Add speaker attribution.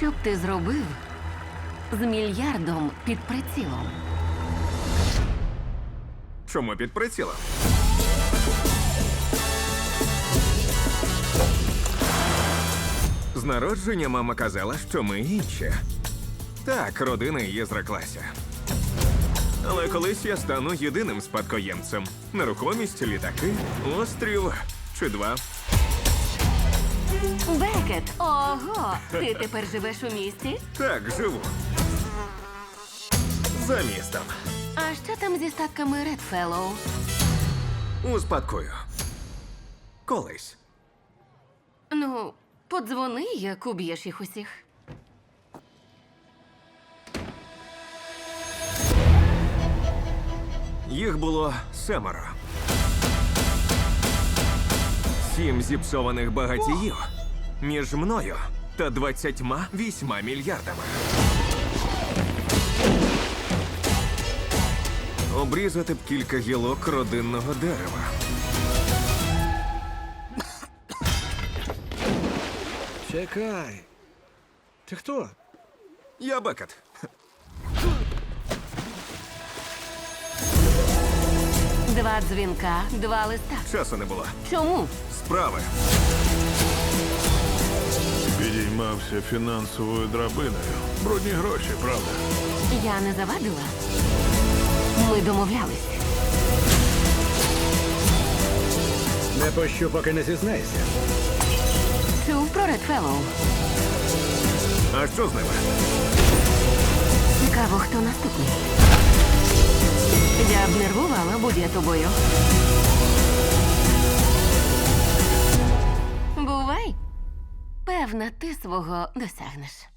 Speaker 1: Що б ти зробив з мільярдом під прицілом?
Speaker 2: Чому під прицілом? З народження мама казала, що ми інші. Так, родина її зреклася. Але колись я стану єдиним спадкоємцем. Нерухомість, літаки, острів чи два.
Speaker 1: Бекет! Ого! Ти тепер живеш у місті?
Speaker 2: Так, живу. За містом.
Speaker 1: А що там зі статками Редфеллоу?
Speaker 2: Успадкую. Колись.
Speaker 1: Ну, подзвони, як уб'єш їх усіх.
Speaker 2: Їх було 7. 7 зіпсованих багатіїв між мною та 28 мільярдами. Обрізати б кілька гілок родинного дерева.
Speaker 3: Чекай. Ти хто?
Speaker 2: Я Бекет.
Speaker 1: Два дзвінка, два листа.
Speaker 2: Часу не було.
Speaker 1: Чому?
Speaker 2: Справи.
Speaker 4: Підіймався фінансовою драбиною. Брудні гроші, правда?
Speaker 1: Я не завадила. Ми домовлялись.
Speaker 3: Не пощу, поки не зізнайся.
Speaker 1: Чув про Редфеллоу?
Speaker 2: А що з ними?
Speaker 1: Цікаво, хто наступний. Я б нервувала, будь я тобою. Бувай. Певна, ти свого досягнеш.